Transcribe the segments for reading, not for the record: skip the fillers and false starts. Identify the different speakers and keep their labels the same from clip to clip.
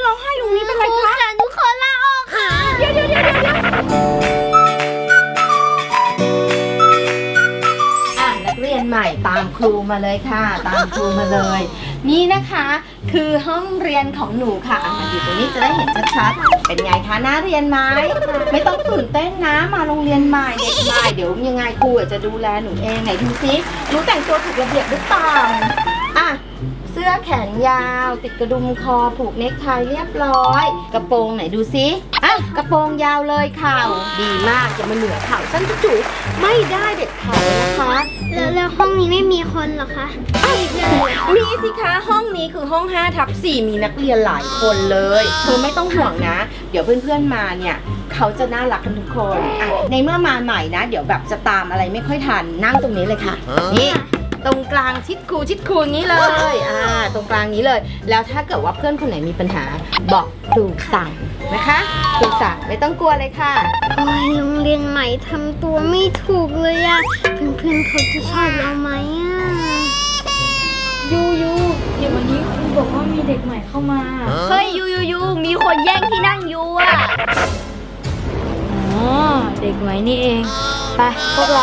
Speaker 1: ร้องไห้ตรงนี้เป็นไรคะ
Speaker 2: หนูขอลาออกค่ะ
Speaker 1: เดี๋ยวนักเรียนใหม่ตามครูมาเลยค่ะตามครูมาเลย นี่นะคะคือห้องเรียนของหนูค่ะมาอยู่ตรงนี้จะได้เห็นชัดๆเป็นไงคะน่าเรียนไหมไม่ต้องตื่นเต้นนะมาโรงเรียนใหม่เด็กใหม่เดี๋ยวยังไงครูจะดูแลหนูเองไหนดูซิหนูแต่งตัวถูกระเบียบหรือเปล่าอ่ะเสื้อแขนยาวติดกระดุมคอผูกเนคไทเรียบร้อยกระโปรงไหนดูซิอ่ะกระโปรงยาวเลยเข่าดีมากอย่ามาเหนือเข่าสั้นจุ๋ยไม่ได้เด็ดขาดนะคะ
Speaker 2: แล้วห้องนี้ไม่มีคนเหรอคะ
Speaker 1: มีสิคะห้องนี้คือห้อง5/4มีนักเรียนหลายคนเลยเธอไม่ต้องห่วงนะเดี๋ยวเพื่อนๆมาเนี่ยเขาจะน่ารักกันทุกคนอ่ะในเมื่อมาใหม่นะเดี๋ยวแบบจะตามอะไรไม่ค่อยทันนั่งตรงนี้เลยค่ะนี่ตรงกลางชิดครูนี้เลยตรงกลางนี้เลยแล้วถ้าเกิดว่าเพื่อนคนไหนมีปัญหาบอกครูสั่งนะคะครูสั่งไม่ต้องกลัวเลยค่ะ
Speaker 2: โอ้ยโรงเรียนใหม่ทำตัวไม่ถูกเลยอะเพื่อนๆเขาจะชอบเราไหมอะ
Speaker 3: ยูเดี๋ยววันนี้ครูบอกว่ามีเด็กใหม่เข้ามา
Speaker 2: เฮ้ยยูมีคนแย่งที่นั่งยูอะ
Speaker 3: อ๋อเด็กใหม่นี่เองไปพวกเรา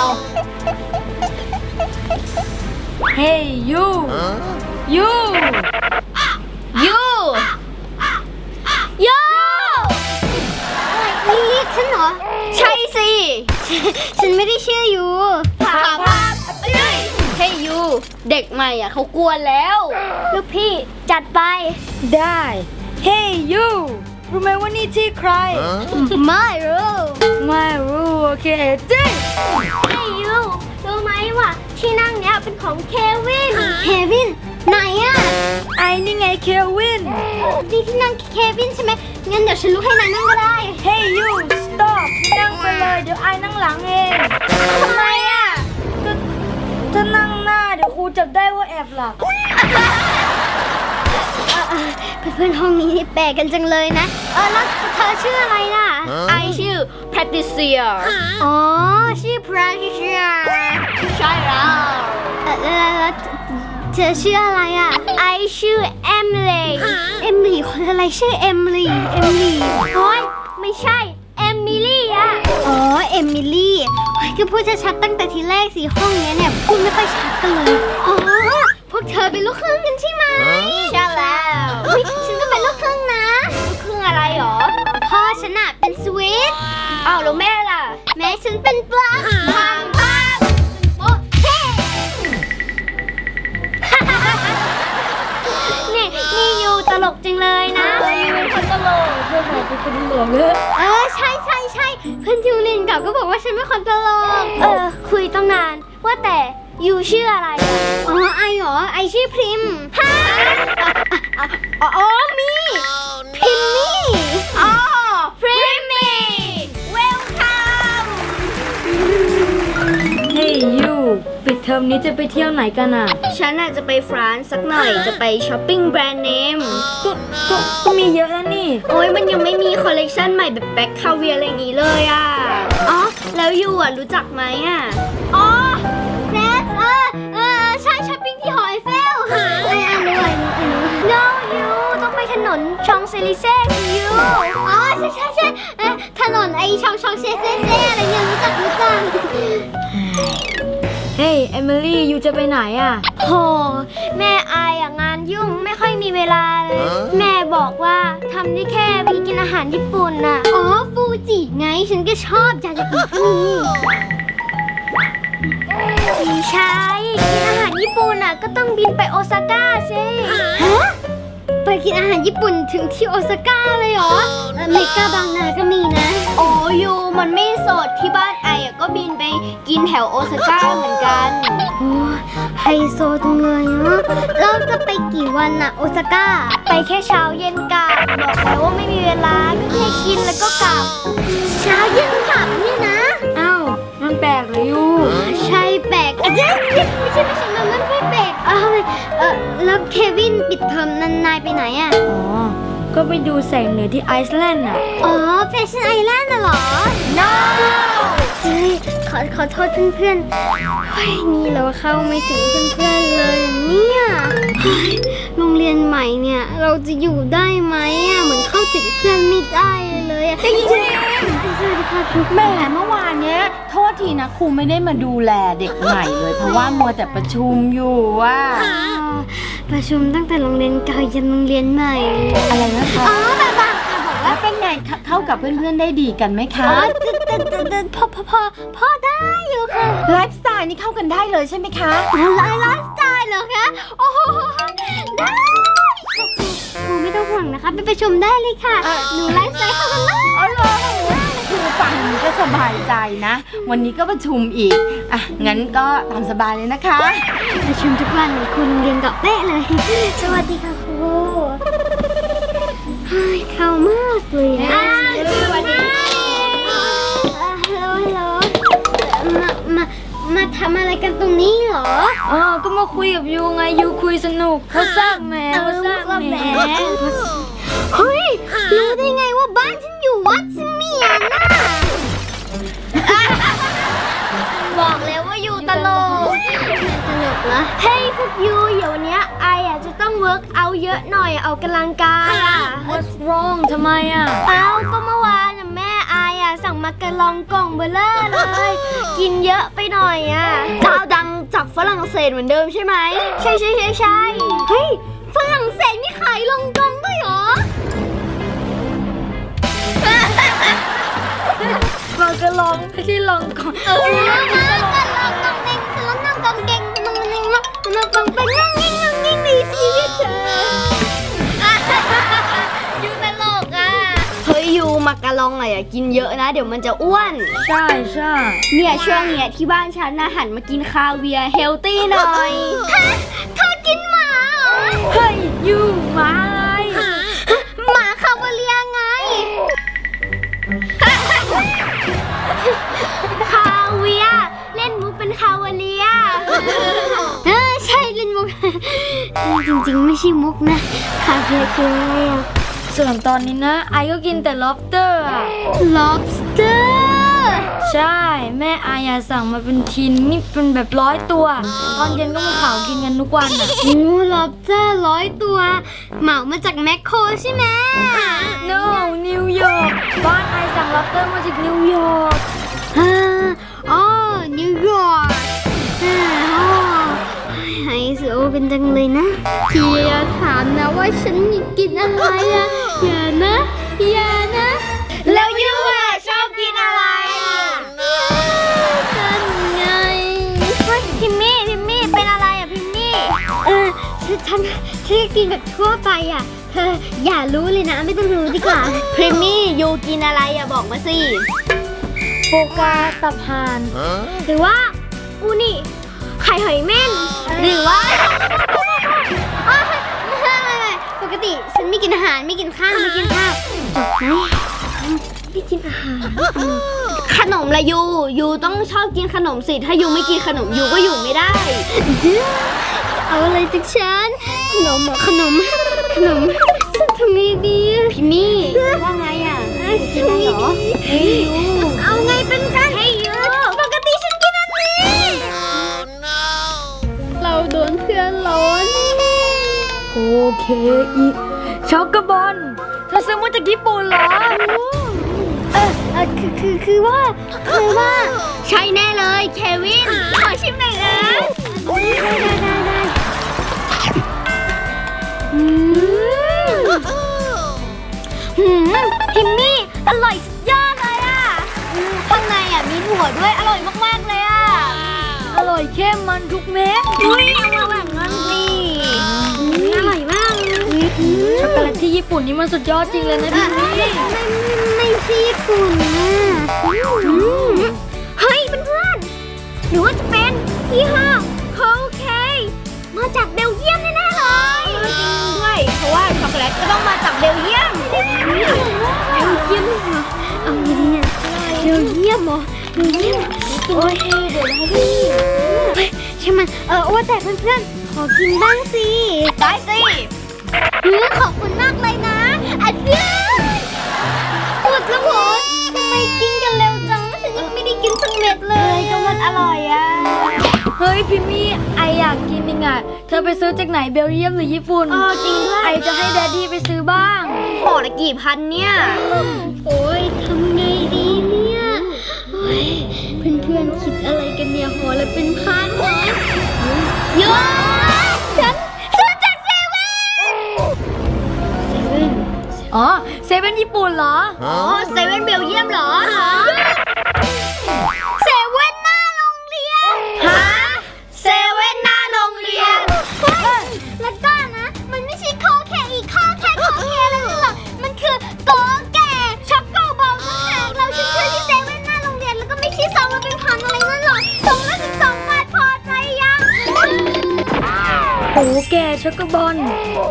Speaker 3: เฮ้ยยู
Speaker 2: นี่เรียกฉันเหรอใช่สิฉันไม่ได้ชื่อยูถามว่าเฮ้ยยูเด็กใหม่อ่ะเขากลัวแล้วลูกพี่จัดไป
Speaker 3: ได้เฮ้ยยูรู้ไหมว่านี่ที่ใคร
Speaker 2: ไม่รู้
Speaker 3: โอเคจริง
Speaker 2: เฮ้ยยูรู้ไหมว่าที่นั่งเนี้ยเป็นของเควินไหนอะ
Speaker 3: ไอ้นี่ไงเควิน
Speaker 2: นี่ที่นั่งเควินใช่ไหมงั้นเดี๋ยวฉันลุกให้นายนั่งก็ได้
Speaker 3: เฮ้ยยู stop นั่งไปเลยเดี๋ยวไอ้นั่งหลังเอง
Speaker 2: ทำไมอะ
Speaker 3: ก็ถ้านั่งหน้าเดี๋ยวครูจับได้ว่าแอบหลับ
Speaker 2: เพื่อนๆห้องนี้นี่แปลกกันจังเลยนะแล้วเธอชื่ออะไรล่ะ
Speaker 1: ไอชื่อ Patricia
Speaker 2: อ๋อชื่อ Patricia ใช่แล้วเธอชื่ออะไรอ่ะไอชื่อ Emily คนอะไรชื่อ Emily โอ้ยไม่ใช่ Emily อ่ะอ๋อ Emily ก็พูดชัดๆตั้งแต่ทีแรกสิห้องนี้เนี่ยพูดไม่ค่อยชัดกันเลยอ๋อพวกเธอเป็นลูกครึ่งกันใช่ไหมใช่แล้วฉันก็เป็นลูกครึ่งนะลูกครึ่งอะไรหรอพ่อฉันน่ะเป็นสวิตอ้าวแล้วแม่ล่ะแม่ฉันเป็นปลาโอเคนี่ยูตลกจริงเลยนะยูเป็นคนตลก
Speaker 3: เพื่อนบอกเป็นคนตลกเลย
Speaker 2: ใช่เพื่อนยูนินเก่าก็บอกว่าฉันเป็นคนตลกคุยตั้งนานว่าแต่ยูชื่ออะไรไอเหรอไอชื่อพริมฮะมีพริมมี่พริมมี่เวลคัม
Speaker 3: เฮ้ยยูปิดเทอมนี้จะไปเที่ยวไหนกันอ่ะ
Speaker 2: ฉันน่ะจะไปฟรานซ์สักหน่อยจะไปช้อปปิ้งแบรนด์เนม
Speaker 3: ก็มีเยอะแล้วนี่
Speaker 2: โอ้ยมันยังไม่มีคอลเลกชันใหม่แบบแบ็คคาเวียอะไรอย่างงี้เลยอ่ะแล้วยูรู้จักไหมอ่ะเนสใช่ช้อปปิ้งที่หอไอเฟลรู้no ยูต้องไปถนนชองเซลิเซ่ยูใช่ถนนไอชองเซลิเซ่อะไรเนี่ยรู้จัก
Speaker 3: เฮ้ยเอมิลี่ยูจะไปไหนอ่ะ
Speaker 2: โหแม่อายงานยุ่งไม่ค่อยมีเวลาเลยแม่บอกว่าทำได้แค่ไปกินอาหารญี่ปุ่นน่ะฟูจิไงฉันก็ชอบอยากจะกินที่นี่ไม่ใช่กินอาหารญี่ปุ่นน่ะก็ต้องบินไปโอซาก้าสิไปกินอาหารญี่ปุ่นถึงที่โอซาก้าเลยเหรอเมกาบางนาก็มีนะยูมันไม่สดที่บ้านไอก็บินไปกินแถวโอซาก้าเหมือนกันไฮโซจังเลยเนาะเราจะไปกี่วันน่ะโอซาก้าไปแค่เช้าเย็นกลับบอกแล้วว่าไม่มีเวลาก็แค่กินแล้วก็กลับเช้าเย็นกลับเนี่ยนะ
Speaker 3: อ้าวมันแปลกเลยยู
Speaker 2: ใช่แปลกไม่ใช่มันไม่แปลกแล้วเควินปิดเทอมนายไปไหนอ่ะ
Speaker 3: ก็ไปดูแสงเหนือที่ไอซ์แลนด์อ่ะ
Speaker 2: แฟชั่นไอแลนด์น่ะเหรอ no ขอโทษเพื่อนๆเฮ้ยนี่เราเข้าไม่ถึงเพื่อนๆเลยเนี่ยโรงเรียนใหม่เนี่ยเราจะอยู่ได้ไหมอ่ะเหมือนเข้าถึงเพื่อนไม่ได้เลยอ่ะ
Speaker 1: จริง
Speaker 2: สวัสดีค่ะครู
Speaker 1: แหมเมื่อวานเนี้ยโทษทีนะครูไม่ได้มาดูแลเด็กใหม่เลย เพราะว่ามัวแต่ประชุมอยู่ว่า
Speaker 2: ประชุมตั้งแต่โรงเรียนเก่ายันโรงเรียนใหม่
Speaker 1: อะไรนะคะ
Speaker 2: อ๋อแบบค่ะบอกว่า
Speaker 1: แล้วเป็นไงเข้ากับเพื่อนๆได้ดีกันไหมคะ
Speaker 2: พอได้อยู่ค่ะ
Speaker 1: ไลฟ์สไตล์นี่เข้ากันได้เลยใช่ไหมคะ
Speaker 2: ไลฟ์สไตล์เหรอคะโอ้โหได้ครูไม่ต้องห่วงนะคะไปประชุมได้เลยค่ะหนูไลฟ์สไตล์เข้ากันได้
Speaker 1: อ๋อเหรอคือฟังก็สบายใจนะ วันนี้ก็ประชุมอีกอ่ะงั้นก็ตามสบายเลยนะคะ
Speaker 2: ประชุมทุกวันเหมือนครูโรงเรียนเก่าเป๊ะเลย สวัสดีค่ะครูเฮ้ยเข้ามากเลยอ่ะสวัสดีฮัลโหลมาทำอะไรกันตรงนี้เหรอ
Speaker 3: ก็มาคุยกับยูไงยูคุยสนุกเขาสร้างแหมเขาสร้างแหม
Speaker 2: เฮ้ยรู้ได้ไงว่าบ้านฉันอยู่วัดเสมียนน่ะบอกแล้วว่าอยู่ตลกตลกเหรอเฮ้ยพวกยูเดี๋ยวนี้ไออ่ะจะต้องเวิร์กเอาเยอะหน่อยออกกำลังกายอ่ะ
Speaker 3: What's wrong ทำไมอ่ะ
Speaker 2: เอาก็เมื่อวานน่ะแม่ไออ่ะสั่งมาการองกล่องเบลเลอร์เลย กินเยอะไปหน่อยอ่ะเจ้าดังจากฝรั่งเศสเหมือนเดิมใช่ไหมใช่เฮ้ยฝรั่งเศสมีขายลองกองด้วยเหรอ
Speaker 3: มากระลองไม่ใช่ลองก่อน
Speaker 2: มากันลองกองเด้งฉันแล้วนั่งกองเด้งมันฟังเป็นนั่งนิ่งดีชีวิตเธอยูตลกอ่ะเฮ้ยยูมากะลองอะอย่ากินเยอะนะเดี๋ยวมันจะอ้วน
Speaker 3: ใช่
Speaker 2: เนี่ยช่วงเนี้ยที่บ้านฉันนะหันมากินคาเวียร์เฮลตี้หน่อยเธอกินหมาเหรอ
Speaker 3: เฮ้ยยูมาอะไร
Speaker 2: หมาคาเวียร์ไง คาเวียร์เล่นมุกเป็นคาเวียร์ใช่เล่นมุก จริงๆไม่ใช่มุกนะคาเวียร์คืออะไรอะ
Speaker 3: ส่วนตอนนี้นะไอก็กินแต่ lobster อ่ะ
Speaker 2: lobster
Speaker 3: ใช่แม่ไออะสั่งมาเป็นทินนี่เป็นแบบ100 ตัว ตอนเย็นก็มาเผากินกันทุกวันอ่ะ
Speaker 2: โอ้ lobster 100 ตัว เหมามาจากแมคโครใช่ไหม
Speaker 3: No นิวยอร์กบ้านไอสั่ง lobster มาจากนิวยอร์ก
Speaker 2: อ๋อนิวยอร์กไฮโซเป็นจังเลยนะพี่อย่าถามนะว่าฉันกินอะไรอะอย่านะแล้วยูอะชอบกินอะไรอะกันไงพิมมี่เป็นอะไรอะพิมมี่ฉันกินแบบทั่วไปอะเธออย่ารู้เลยนะไม่ต้องรู้ดีกว่าพิมมี่ยูกินอะไรอะบอกมาสิ
Speaker 3: โฟกาตับห่าน
Speaker 2: หรือว่าอูนี่ไข่หอยเม่นหรือว่าไม่ปกติฉันไม่กินอาหารไม่กินข้าวจบไหมไม่กินอาหารขนมละยูต้องชอบกินขนมสิถ้ายูไม่กินขนมยูก็อยู่ไม่ได้จะเอาอะไรจากฉันขนมฉันทำไงดีพี่มี่ว่าไงอ่ะกินได้เหรอเอาไงเป็นกันให้ยูปกติฉันกินอันนี้เราโดนเพื่อนล้อนี่
Speaker 3: โอเคอีช็อกโกบอลเธอซื้อมาจากญี่ปุ่นเหรอ
Speaker 2: คือว่าใช่แน่เลยเควินขอชิมหน่อยนะได้พิมมี่อร่อยสุดยอดเลยอ่ะข้างในอ่ะมีถั่วด้วยอร่อยมากๆเลยอ่ะ
Speaker 3: อร่อยเข้มมันทุกเม็ด
Speaker 2: อุ้ยเอามาแบบนั้นสิอร่อยมาก
Speaker 3: ช็อกโกแลตที่ญี่ปุ่นนี่มันสุดยอดจริงเลยนะพี่มี่
Speaker 2: ไม่ใช่ญี่ปุ่นนะเฮ้ยเพื่อนๆหรือว่าจะเป็นยี่ห้อโคเคมาจากเบลเยียมแน่ๆเลยจริงด้วยเพราะว่าช็อกโกแลตก็ต้องมาจากเบลเยียมเหรอเอาไงดีเนี่ยเบลเยียมเหรอโอ้ยเดี๋ยวนะพี่ใช่มันว่าแต่เพื่อนๆขอกินบ้างสิได้สิขอบคุณมากเลยนะอันเดียวปวดแล้วหัวทำไมกินกันเร็วจังฉันยังไม่ได้กินสักเม็ดเลยก็มันอร่อยอ่ะ
Speaker 3: เฮ้ยยพิมมี่ไออยากกินยังไงเธอไปซื้อจากไหนเบลเยียมหรือญี่ปุ่นจริงด้วยไอจะให้แดดดี้ไปซื้อบ้างห่อละกี่พันเนี่ย
Speaker 2: โอ้ยทำไงดีเนี่ยโอ้ยเพื่อนๆคิดอะไรกันเนี่ยหัวละเป็นพันเหรอเยอะฉันซื้อจากเซเว่น
Speaker 3: อ๋อเซเว่นญี่ปุ่นเหรอ
Speaker 2: อ๋อเซเว่นเบลเยียมเหรอเซเว่นหน้าโรงเรียนฮะเซเว่นหน้าโรงเรียนแล้วก็นะมันไม่ใช่โคแค่อีกข้อแค่โคแค่อะไรนั่นหรอกมันคือโกแก่ช็อกโกบอลต่างหากเราชื่อที่เซเว่นหน้าโรงเรียนแล้วก็ไม่ใช่ซองละเป็นพันอะไรนั่นหรอกซองละ12 บาทพอใจยัง
Speaker 3: โอ้แกช็อกโกบอล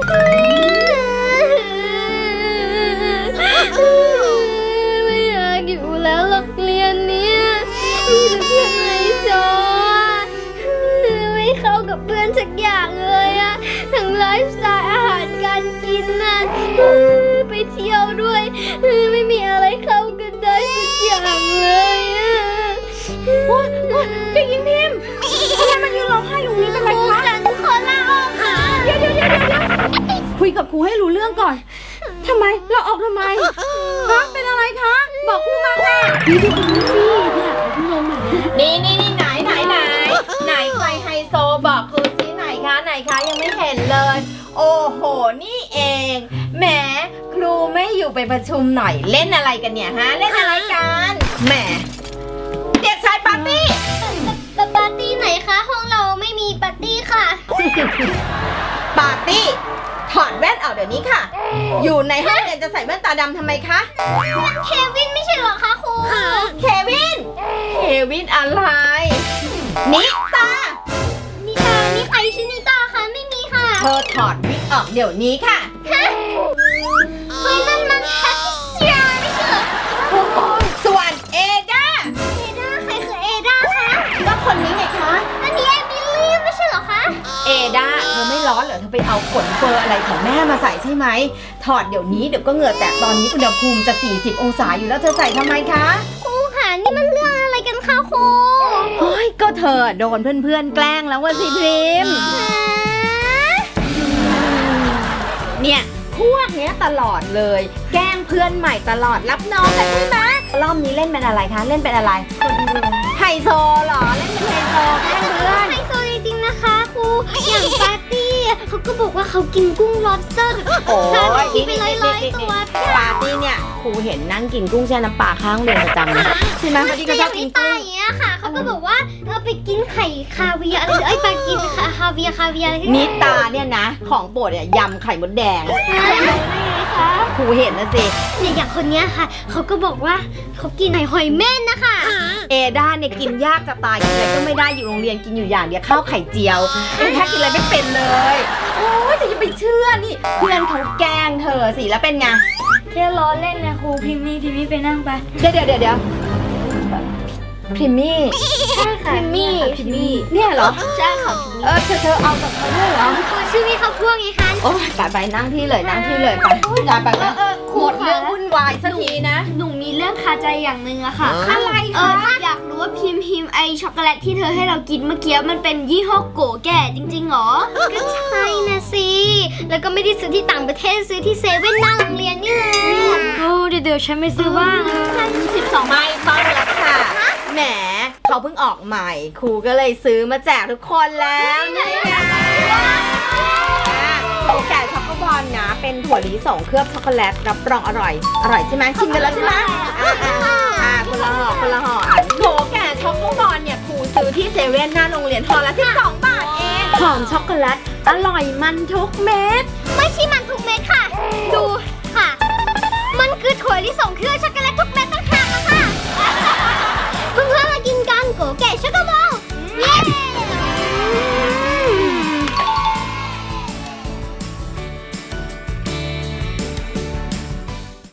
Speaker 2: ไม่อยากอยู่แล้วโรงเรียนเนี้ยมีแต่เพื่อนไฮโซไม่เข้ากับเพื่อนสักอย่างเลยอะทั้งไลฟ์สไตล์อาหารการกินน่ะไปเที่ยวด้วยไม่มีอะไรเข้ากันได้สักอย่างเลยอะเด็กหญิงพิมพ์ทำไมมันยืนร้องไห้อยู่นี่เป็นไรคะฉันขอลาออกค่ะเดี๋ยว
Speaker 1: คุยกับครูให้รู้เรื่องก่อนทำไมเราออกทำไมคะเป็นอะไรคะบอกครูมาค่ะนี่ไหนใครไฮโซบอกครูซิไหนคะยังไม่เห็นเลย โอ้โหนี่เองแหมครูไม่อยู่ไปประชุมหน่อยเล่นอะไรกันเนี่ยฮะเล่นอะไรกันแหมเด็กชายปาร์ตี้
Speaker 2: ปาร์ตี้ไหนคะห้องเราไม่มีปาร์ตี้ค่ะ
Speaker 1: ปาร์ตี้ถอดแว่นออกเดี๋ยวนี้ค่ะอยู่ในห้องเรียนจะใส่แว่นตาดำทำไมคะ
Speaker 2: เควินไม่ใช่เหรอคะครู
Speaker 1: เควินอะไรนิตา
Speaker 2: นิตานี่ใครชื่อนิตาคะไม่มีค่ะ
Speaker 1: เธอถอดวิกออกเดี๋ยวนี้ค่ะ
Speaker 2: ฮะเฮ้ยนั่นมันแพทริเซียไม่ใช่เหรอ
Speaker 1: ส่วนเอดา
Speaker 2: เอดาใครคือเอดาคะ
Speaker 1: ก็คนนี้ไงคะ
Speaker 2: อันนี้เอมิลี่ไม่ใช่เหรอคะ
Speaker 1: เอดาเธอไม่ร้อนเหรอเธอไปเอาขนเฟอร์อะไรของแม่มาใส่ใช่ไหมถอดเดี๋ยวนี้เดี๋ยวก็เหงื่อแตกตอนนี้อุณหภูมิจะ40 องศาอยู่แล้วเธอใส่ทำไมคะ
Speaker 2: ครูค่ะนี่มันเรื่องอะไรกันคะครู
Speaker 1: เฮ้ยก็เธอโดนเพื่อนๆแกล้งแล้วว่าสิพริมเนี่ยพวกเนี้ยตลอดเลยแกล้งเพื่อนใหม่ตลอดรับน้องกันใช่ไหมรอบนี้เล่นเป็นอะไรคะเล่นเป็นอะไรไฮโซเหรอเล่นเป็นไฮโซแกล้งเพื่อน
Speaker 2: ไฮโซจริงๆนะคะครูอย่างปาร์ตี้เขาก็บอกว่าเขากินกุ้ง lobster
Speaker 1: โอ้ย
Speaker 2: ทานไปทีไปร้อยตัว
Speaker 1: ปาร์ตี้เนี่ยครูเห็นนั่งกินกุ้งแช่น้ำปลาข้างเรียนประจำนะใช่ไหมพอดีก็
Speaker 2: แต่
Speaker 1: ช
Speaker 2: อ
Speaker 1: อบ
Speaker 2: ย่าง
Speaker 1: กิ
Speaker 2: นิ
Speaker 1: น
Speaker 2: ตา
Speaker 1: กุ้ง
Speaker 2: อย่างเงี้ยค่ะเขาก็บอกว่าไปกินไข่คาเวียร์อะไรเอ้ยไปกินคาเวียร์อะไรที่
Speaker 1: นิตาเนี่ยนะของโปรดเนี่ยยำไข่มดแดง
Speaker 2: ได้ไงคะ
Speaker 1: ครูเห็นนะสิ
Speaker 2: เนี่ยอย่างคนเนี้ยค่ะเขาก็บอกว่าเขากินหอยเม่นนะคะ
Speaker 1: เอด้าเนี่ยกินยากจะตายกินอะไรก็ไม่ได้อยู่โรงเรียนกินอยู่อย่างเดียวข้าวไข่เจียวเอด้ากินอะไรไม่เป็นเลยโอ้ยจะไปเชื่อนี่เพื่อนเขาแกล้งเธอสิแล้วเป็นไง
Speaker 3: แค่ล้อเล่นนะครูพิมมี่ไปนั่งไป
Speaker 1: เดี๋ยวพริมมี่
Speaker 2: ใช่ค่ะพิมมี่
Speaker 1: เนี่ยเหรอ
Speaker 2: ใช่ค่ะ
Speaker 1: เธอเอากับเขาด้วยเหรอ
Speaker 2: ชื่อพี่เขาพวกไงคะ
Speaker 1: โอ้ยไปนั่งที่เลยไปไปหมดเรื่องวุ่นวายสักทีนะ
Speaker 2: หนูมีเรื่องคาใจอย่างหนึ่งอะค่ะอะไรอยากรู้ว่าพิมไอช็อกโกแลตที่เธอให้เรากินเมื่อกี้มันเป็นยี่ห้อโกแก่จริงๆหรอก็ใช่นะสิแล้วก็ไม่ได้ซื้อที่ต่างประเทศซื้อที่เซเว่นหน้าโรงเรียนนี่แหละ
Speaker 3: โอ้เดี๋ยวฉันไปซื้อบ้าง
Speaker 1: 12ไม่ต้องแล้วค่ะแหมเขาเพิ่งออกใหม่ครูก็เลยซื้อมาแจกทุกคนแล้วนี่ไงโกแก่ช็อกโกบอลนะเป็นถั่วลิสงเคลือบช็อกโกแลตรับรองอร่อยใช่ไหมชิมกันแล้วใช่ไหมคนละห่อโกแก่ช็อกโกบอลเนี่ยครูซื้อที่เซเว่นหน้าโรงเรียนห่อละ12 บาทเองหอมช็อกโกแลตอร่อยมันทุกเม็ด
Speaker 2: ไม่ใช่มันทุกเม็ดค่ะ ดูค่ะ มันคือถั่วลิสงเคลือบช็อก